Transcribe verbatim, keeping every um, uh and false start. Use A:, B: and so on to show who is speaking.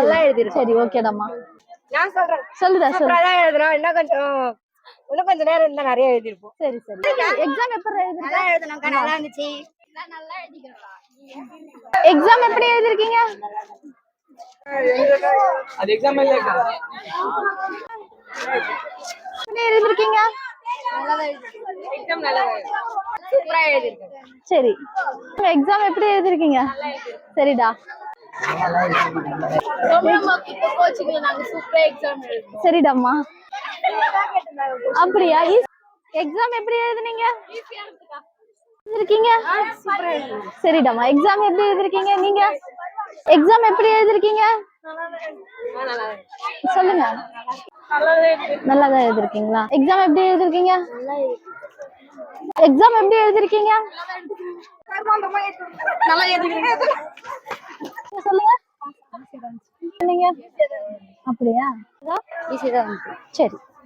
A: நல்லா எழுதிருக்கேன்.
B: சரி ஓகேடாமா.
A: நான் சொல்றேன்.
B: சொல்லுடா சொல்லு.
A: சூப்பரா தான் எழுதுறோம். இன்னும் கொஞ்சம் இன்னும் கொஞ்ச நேரம் இருந்தா நிறைய எழுதிருப்போம்.
B: சரி சரி. எக்ஸாம் எப்படி எழுதுறீங்க?
A: நல்லா எழுதுனோம். நல்லா இருந்துச்சு. நான் நல்லா எழுதிக்கிறேன்.
B: எக்ஸாம் எப்படி எழுதிருக்கீங்க?
C: அது எக்ஸாம் இல்லக்கா.
B: எப்படி எழுதிருக்கீங்க?
A: நல்லா எழுதிருக்கேன். எக்ஸாம் நல்லா சூப்பரா எழுதிருக்கேன்.
B: சரி. எக்ஸாம் எப்படி எழுதிருக்கீங்க? சரிடா. சரிடாம்மா. அப்படியா? எக்ஸாம் எப்படி எழுதுனீங்க? எழுதிருக்கீங்க? சரிடாம்மா. எக்ஸாம் எப்படி எழுதிருக்கீங்க நீங்க? எக்ஸாம் எப்படி எழுதிருக்கீங்க? சொல்லுங்க. நல்லாதான் எழுதிருக்கீங்களா? எக்ஸாம் எப்படி எழுதிருக்கீங்க? எக்ஸாம் எப்படி எழுதிருக்கீங்க?
A: நல்லா எழுதிக்கிறேன்.
B: சொல்லுங்க. அப்படியா?
A: ஈஸியா தான் இருக்கு.
B: சரி.